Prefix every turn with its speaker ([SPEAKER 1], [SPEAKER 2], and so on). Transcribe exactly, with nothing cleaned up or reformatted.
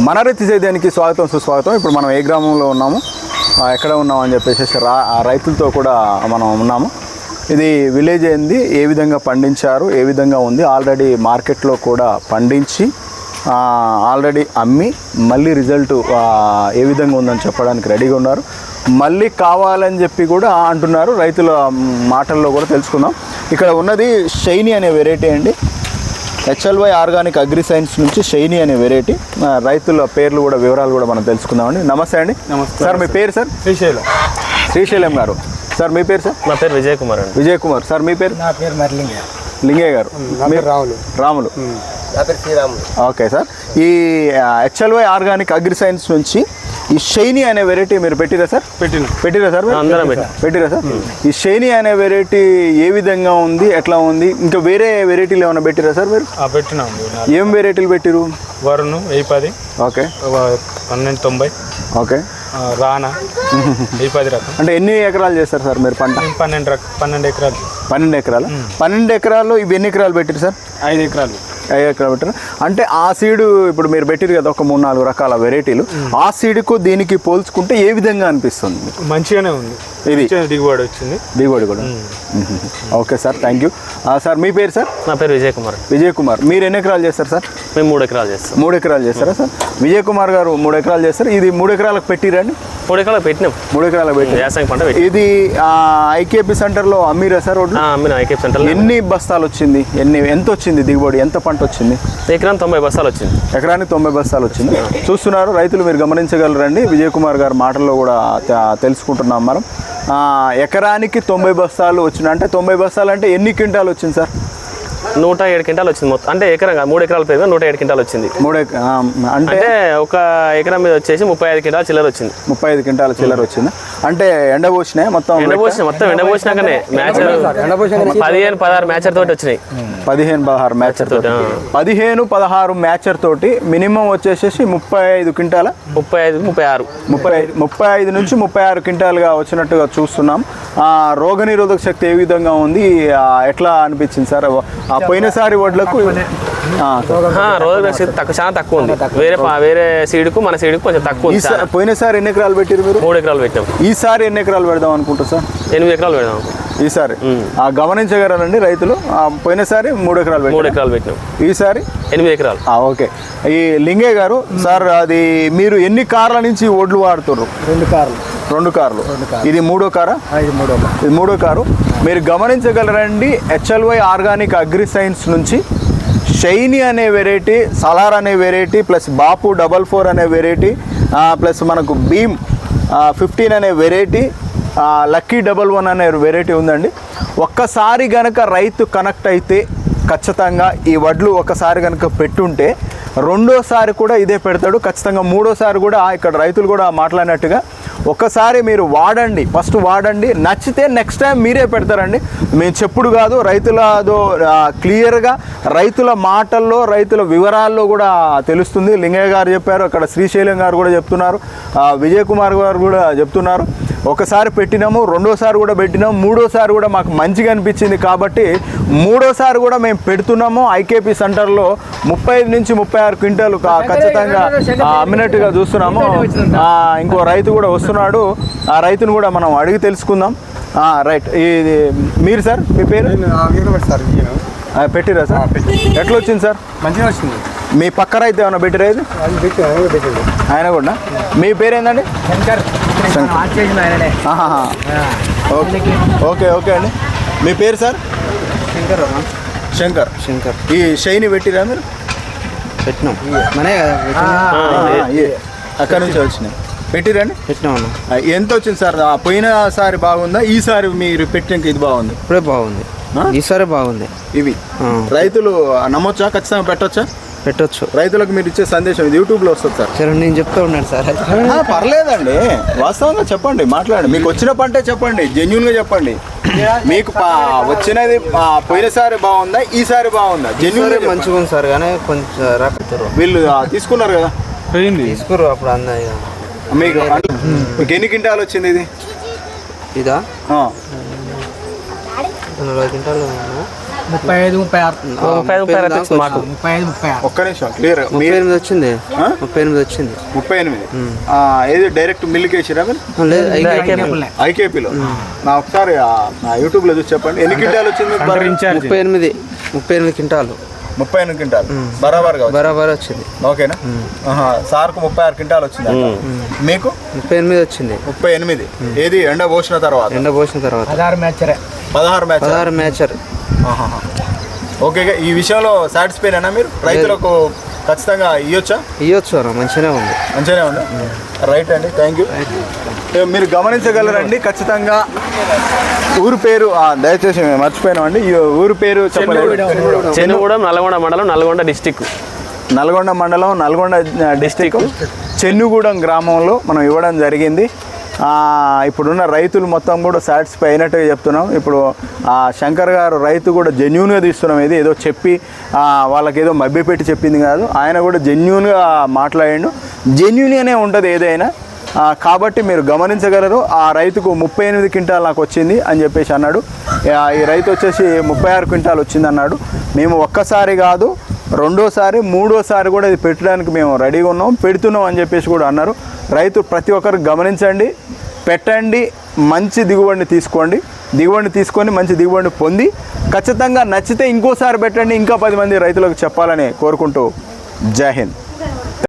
[SPEAKER 1] మన రైతు సేద్యానికి స్వాగతం సుస్వాగతం. ఇప్పుడు మనం ఏ గ్రామంలో ఉన్నాము, ఎక్కడ ఉన్నాము అని చెప్పేసి రా రైతులతో కూడా మనం ఉన్నాము. ఇది విలేజ్ ఏంది, ఏ విధంగా పండించారు, ఏ విధంగా ఉంది, ఆల్రెడీ మార్కెట్లో కూడా పండించి ఆల్రెడీ అమ్మి మళ్ళీ రిజల్ట్ ఏ విధంగా ఉందని చెప్పడానికి రెడీగా ఉన్నారు. మళ్ళీ కావాలని చెప్పి కూడా అంటున్నారు. రైతుల మాటల్లో కూడా తెలుసుకుందాం. ఇక్కడ ఉన్నది షైనీ అనే వెరైటీ అండి. హెచ్ఎల్వై ఆర్గానిక్ అగ్రి సైన్స్ నుంచి షైనీ అనే వెరైటీ. రైతుల పేర్లు కూడా వివరాలు కూడా మనం తెలుసుకుందామండి. నమస్తే అండి.
[SPEAKER 2] నమస్తే
[SPEAKER 1] సార్. మీ పేరు సార్?
[SPEAKER 2] శ్రీశైలం.
[SPEAKER 1] శ్రీశైలం గారు. సార్ మీ పేరు సార్?
[SPEAKER 3] నా పేరు విజయ్ కుమార్ అండి.
[SPEAKER 1] విజయ్ కుమార్. సార్ మీ పేరు?
[SPEAKER 2] నా పేరు మర్లింగ.
[SPEAKER 1] లింగయ్య గారు.
[SPEAKER 2] రాములు.
[SPEAKER 1] రాములు.
[SPEAKER 2] నా పేరు శ్రీరాములు.
[SPEAKER 1] Okay sir. ఈ హెచ్ఎల్వై ఆర్గానిక్ అగ్రి సైన్స్ నుంచి ఈ షైనీ అనే వెరైటీ మీరు పెట్టిరా సార్?
[SPEAKER 2] పెట్టిన
[SPEAKER 1] పెట్టిరా సార్?
[SPEAKER 3] అందరం
[SPEAKER 1] పెట్టిరా సార్? ఈ షైనీ అనే వెరైటీ ఏ విధంగా ఉంది, ఎట్లా ఉంది? ఇంకా వేరే వెరైటీలు ఏమైనా పెట్టిరా సార్ మీరు?
[SPEAKER 2] పెట్టినాం.
[SPEAKER 1] ఏం వెరైటీలు పెట్టిరు?
[SPEAKER 2] వరుణ్ వెయ్యి పది.
[SPEAKER 1] ఓకే.
[SPEAKER 2] పన్నెండు తొంభై.
[SPEAKER 1] ఓకే.
[SPEAKER 2] రానా వెయ్యి పది రకం.
[SPEAKER 1] అంటే ఎన్ని ఎకరాలు చేస్తారు సార్ మీరు పంట?
[SPEAKER 2] పన్నెండు రకం. పన్నెండు ఎకరాలు.
[SPEAKER 1] పన్నెండు ఎకరాలు. పన్నెండు ఎకరాల్లో ఇవి ఎన్ని ఎకరాలు పెట్టిరు సార్?
[SPEAKER 2] ఐదు ఎకరాలు.
[SPEAKER 1] ఐదు ఎకరాలు పెట్టారు. అంటే ఆ సీడు ఇప్పుడు మీరు పెట్టిరు కదా ఒక మూడు నాలుగు రకాల వెరైటీలు, ఆ సీడుకు దీనికి పోల్చుకుంటే ఏ విధంగా అనిపిస్తుంది?
[SPEAKER 2] మంచిగానే ఉంది. ఇది దిగుబడి వచ్చింది.
[SPEAKER 1] దిగుబడి కూడా. Okay sir, thank you. Sir మీ పేరు సార్?
[SPEAKER 3] నా పేరు విజయ్ కుమార్.
[SPEAKER 1] విజయ్ కుమార్. మీరు ఎన్ని ఎకరాలు చేస్తారు సార్?
[SPEAKER 3] మేము మూడు ఎకరాలు చేస్తాం.
[SPEAKER 1] మూడు ఎకరాలు చేస్తారా సార్? విజయ్ కుమార్ గారు మూడు ఎకరాలు చేస్తారు. ఇది మూడు ఎకరాలకు పెట్టిరండి?
[SPEAKER 3] మూడు ఎకరాలు పెట్టినాం.
[SPEAKER 1] మూడు ఎకరాలకు పెట్టి
[SPEAKER 3] వ్యవసాయం పంట పెట్టి.
[SPEAKER 1] ఇది ఐకేపీ సెంటర్లో అమ్మిరా సార్?
[SPEAKER 3] అమ్మిన ఐకేపీ సెంటర్లో.
[SPEAKER 1] ఎన్ని బస్తాలు వచ్చింది? ఎన్ని ఎంత వచ్చింది దిగుబడి? ఎంత పంట వచ్చింది?
[SPEAKER 3] ఎకరానికి తొంభై బస్తాలు వచ్చింది.
[SPEAKER 1] ఎకరానికి తొంభై బస్తాలు వచ్చింది. చూస్తున్నారు రైతులు, మీరు గమనించగలరండి. విజయ్ కుమార్ గారి మాటల్లో కూడా తెలుసుకుంటున్నాం మనం. ఎకరానికి తొంభై బస్తాలు వచ్చినాయి. అంటే తొంభై బస్తాలు అంటే ఎన్ని క్వింటాలు వచ్చింది సార్?
[SPEAKER 3] నూట ఏడు క్వింటాలు వచ్చింది మొత్తం. అంటే ఎకరం మూడు ఎకరాల పేరు నూట ఏడు క్వింటాలు వచ్చింది.
[SPEAKER 1] మూడు అంటే
[SPEAKER 3] ఒక ఎకరం మీద వచ్చేసి ముప్పై ఐదు క్వింటాల చిల్లర వచ్చింది.
[SPEAKER 1] ముప్పై ఐదు క్వింటాల చిల్లర వచ్చింది. అంటే ఎండబోసినాయి మొత్తం?
[SPEAKER 3] ఎండబోసిన మొత్తం ఎండబోసినాకనే మ్యాచర్ పదిహేను పదహారు మ్యాచర్ తోటి వచ్చినాయి.
[SPEAKER 1] పదిహేను పదహారు మ్యాచర్ తోటి. పదిహేను పదహారు మ్యాచర్ తోటి మినిమం వచ్చేసేసి ముప్పై ఐదు క్వింటాల
[SPEAKER 3] ముప్పై ఐదు ముప్పై ఆరు
[SPEAKER 1] ముప్పై ముప్పై ఐదు నుంచి ముప్పై ఆరు క్వింటాలుగా వచ్చినట్టుగా చూస్తున్నాం. రోగ నిరోధక శక్తి ఏ విధంగా ఉంది, ఎట్లా అనిపించింది సార్? ఆ పోయినసారి వడ్లకు
[SPEAKER 3] రోగ శక్తి తక్కువ, చాలా తక్కువ ఉంది. వేరే వేరే సీడ్కు మన సీడ్కు కొంచెం తక్కువ ఉంది.
[SPEAKER 1] పోయినసారి ఎన్ని ఎకరాలు పెట్టారు మీరు?
[SPEAKER 3] మూడు ఎకరాలు పెట్టాం.
[SPEAKER 1] ఈసారి ఎన్ని ఎకరాలు పెడదాం అనుకుంటారు సార్?
[SPEAKER 3] ఎనిమిది ఎకరాలు పెడదాం
[SPEAKER 1] ఈసారి. గమనించగలరండి రైతులు, పోయినసారి మూడు ఎకరాలు
[SPEAKER 3] మూడు ఎకరాలు పెట్టినాం,
[SPEAKER 1] ఈసారి
[SPEAKER 3] ఎనిమిది ఎకరాలు.
[SPEAKER 1] ఓకే. ఈ లింగయ్య గారు సార్, అది మీరు ఎన్ని కార్ల నుంచి ఒడ్లు వాడుతున్నారు?
[SPEAKER 2] రెండు కార్లు.
[SPEAKER 1] రెండు కార్లు. ఇది మూడో కారా? ఇది మూడో కారు. మీరు గమనించగలరండి, హెచ్ఎల్వై ఆర్గానిక్ అగ్రి సైన్స్ నుంచి షైనీ అనే వెరైటీ, సలార్ అనే variety, plus Bapu double four అనే వెరైటీ, ప్లస్ మనకు భీమ్ ఫిఫ్టీన్ అనే వెరైటీ, లక్కీ డబల్ వన్ అనే వెరైటీ ఉందండి. ఒక్కసారి కనుక రైతు కనెక్ట్ అయితే ఖచ్చితంగా ఈ వడ్లు ఒకసారి కనుక పెట్టుంటే రెండోసారి కూడా ఇదే పెడతాడు ఖచ్చితంగా. మూడోసారి కూడా ఇక్కడ రైతులు కూడా మాట్లాడినట్టుగా ఒక్కసారి మీరు వాడండి, ఫస్ట్ వాడండి, నచ్చితే నెక్స్ట్ టైం మీరే పెడతారండి. మేము చెప్పుడు కాదు, రైతులదో క్లియర్గా రైతుల మాటల్లో రైతుల వివరాల్లో కూడా తెలుస్తుంది. లింగయ్య గారు చెప్పారు, అక్కడ శ్రీశైలం గారు కూడా చెప్తున్నారు, విజయ్ కుమార్ గారు కూడా చెప్తున్నారు. ఒకసారి పెట్టినాము, రెండోసారి కూడా పెట్టినాము, మూడోసారి కూడా మాకు మంచిగా అనిపించింది కాబట్టి మూడోసారి కూడా మేము పెడుతున్నాము. ఐకేపీ సెంటర్లో ముప్పై ఐదు నుంచి ముప్పై ఆరు క్వింటాలు ఖచ్చితంగా అమ్మినట్టుగా చూస్తున్నాము. ఇంకో రైతు కూడా వస్తున్నాడు, ఆ రైతును కూడా మనం అడిగి తెలుసుకుందాం. రైట్. ఇది మీరు సార్, మీ పేరు? పెట్టిరా సార్? ఎట్లా వచ్చింది సార్?
[SPEAKER 2] మంచిగా వచ్చింది.
[SPEAKER 1] మీ పక్క రైతు ఏమన్నా పెట్టిరా? ఇది ఆయన కూడా. మీ పేరు ఏందండి?
[SPEAKER 2] శంకర్.
[SPEAKER 1] ఓకే ఓకే ఓకే అండి. మీ పేరు సార్?
[SPEAKER 2] శంకర్.
[SPEAKER 1] శంకర్.
[SPEAKER 2] శంకర్.
[SPEAKER 1] ఈ షైనీ పెట్టిరా మీరు?
[SPEAKER 2] పెట్టినాం. మనే
[SPEAKER 1] అక్కడ నుంచి వచ్చినాయి. పెట్టిరండి?
[SPEAKER 2] పెట్టినాం.
[SPEAKER 1] ఎంత వచ్చింది సార్? పోయినసారి బాగుందా, ఈసారి మీరు పెట్టినాక ఇది బాగుంది?
[SPEAKER 2] ఇప్పుడే బాగుంది, ఈసారి బాగుంది.
[SPEAKER 1] ఇవి రైతులు నమ్మొచ్చా? ఖచ్చితంగా పెట్టొచ్చా?
[SPEAKER 2] పెట్టొచ్చు.
[SPEAKER 1] రైతులకు మీరు ఇచ్చే సందేశం ఇది యూట్యూబ్లో వస్తుంది సార్.
[SPEAKER 2] సరే, నేను చెప్తా ఉన్నాను సార్.
[SPEAKER 1] పర్లేదండి, వాస్తవంగా చెప్పండి, మాట్లాడండి. మీకు వచ్చిన పంటే చెప్పండి, జెన్యున్గా చెప్పండి. మీకు వచ్చినది పోయినసారి బాగుందా, ఈసారి బాగుందా? జెన్యున్
[SPEAKER 2] మంచిగా ఉంది సార్, కానీ కొంచెం రాకపోతారు.
[SPEAKER 1] వీళ్ళు తీసుకున్నారు కదా,
[SPEAKER 2] తీసుకురు అప్పుడు అన్నయ్య.
[SPEAKER 1] మీకు మీకు ఎన్ని క్వింటాలు వచ్చింది ఇది?
[SPEAKER 2] ఇదా నలభై క్వింటాలు.
[SPEAKER 4] ముప్పై ఐదు ముప్పై ఆరు
[SPEAKER 3] ముప్పై ఐదు ముప్పై ఆరు అయితే వచ్చింది మాకు
[SPEAKER 4] ముప్పై ఐదు ముప్పై ఆరు
[SPEAKER 1] ఒక్క నిమిషం క్లియర్
[SPEAKER 2] ముప్పై ఎనిమిది వచ్చింది ముప్పై ఎనిమిది వచ్చింది
[SPEAKER 1] ముప్పై ఎనిమిది ఆ, ఏది డైరెక్ట్ మిల్లుకి వేసిరా మీరు
[SPEAKER 2] లేదు ఐదు
[SPEAKER 3] ఐకేపీ.
[SPEAKER 1] ఐకేపీలో నా ఒకసారి ఆ, నా యూట్యూబ్లో చూసి చెప్పండి ఎన్ని క్వింటాలు వచ్చింది మీకు బర్రె?
[SPEAKER 2] ముప్పై ఎనిమిది ముప్పై ఎనిమిది క్వింటాలు
[SPEAKER 1] ముప్పై ఎనిమిది క్వింటాలు బరాబర్ కావచ్చు
[SPEAKER 2] బరాబర్ వచ్చింది
[SPEAKER 1] ఓకేనా ఆహా, సార్కు ముప్పై ఆరు క్వింటాలు వచ్చింది మీకు
[SPEAKER 2] ముప్పై ఎనిమిది వచ్చింది
[SPEAKER 1] ముప్పై ఎనిమిది ఏది ఎండ పోసిన తర్వాత
[SPEAKER 2] ఎండ పోసిన తర్వాత
[SPEAKER 4] పదహారు మ్యాచరే
[SPEAKER 1] పదహారు మ్యాచ్
[SPEAKER 2] పదహారు మ్యాచర్
[SPEAKER 1] ఓకే ఈ విషయంలో సాటిస్ఫైనా మీరు రైతులకు ఖచ్చితంగా ఇవ్వచ్చా
[SPEAKER 2] ఇవ్వచ్చు అన్న మంచిగానే ఉంది
[SPEAKER 1] మంచిగానే ఉంది రైట్ అండి థ్యాంక్ యూ మీరు గమనించగలరండి ఖచ్చితంగా ఊరు పేరు ఆ, దయచేసి మేము మర్చిపోయినామండి ఈ ఊరు పేరు చెప్పలేదు
[SPEAKER 3] చెన్నగూడెం నల్గొండ మండలం నల్గొండ డిస్టిక్
[SPEAKER 1] నల్గొండ మండలం నల్గొండ డిస్టిక్ చెన్నుగూడెం గ్రామంలో మనం ఇవ్వడం జరిగింది ఆ, ఇప్పుడున్న రైతులు మొత్తం కూడా సాటిస్ఫై అయినట్టుగా చెప్తున్నాం ఇప్పుడు ఆ శంకర్ గారు రైతు కూడా జెన్యున్గా తీస్తున్నాం ఇది ఏదో చెప్పి ఆ, వాళ్ళకి ఏదో మభ్యపెట్టి చెప్పింది కాదు ఆయన కూడా జెన్యున్గా మాట్లాడిండు జెన్యున్గానే ఉంటుంది ఏదైనా ఆ, కాబట్టి మీరు గమనించగలరు ఆ రైతుకు ముప్పై ఎనిమిది క్వింటాల్ నాకు వచ్చింది అని చెప్పేసి అన్నాడు ఆ, ఈ రైతు వచ్చేసి ముప్పై ఆరు క్వింటాల్ వచ్చింది అన్నాడు మేము ఒక్కసారి కాదు రెండోసారి మూడోసారి కూడా ఇది పెట్టడానికి మేము రెడీగా ఉన్నాం పెడుతున్నాం అని చెప్పేసి కూడా అన్నారు రైతు ప్రతి ఒక్కరు గమనించండి పెట్టండి మంచి దిగుబడిని తీసుకోండి దిగుబడిని తీసుకొని మంచి దిగుబడిని పొంది ఖచ్చితంగా నచ్చితే ఇంకోసారి పెట్టండి ఇంకా పది మంది రైతులకు చెప్పాలని కోరుకుంటూ జై హింద్.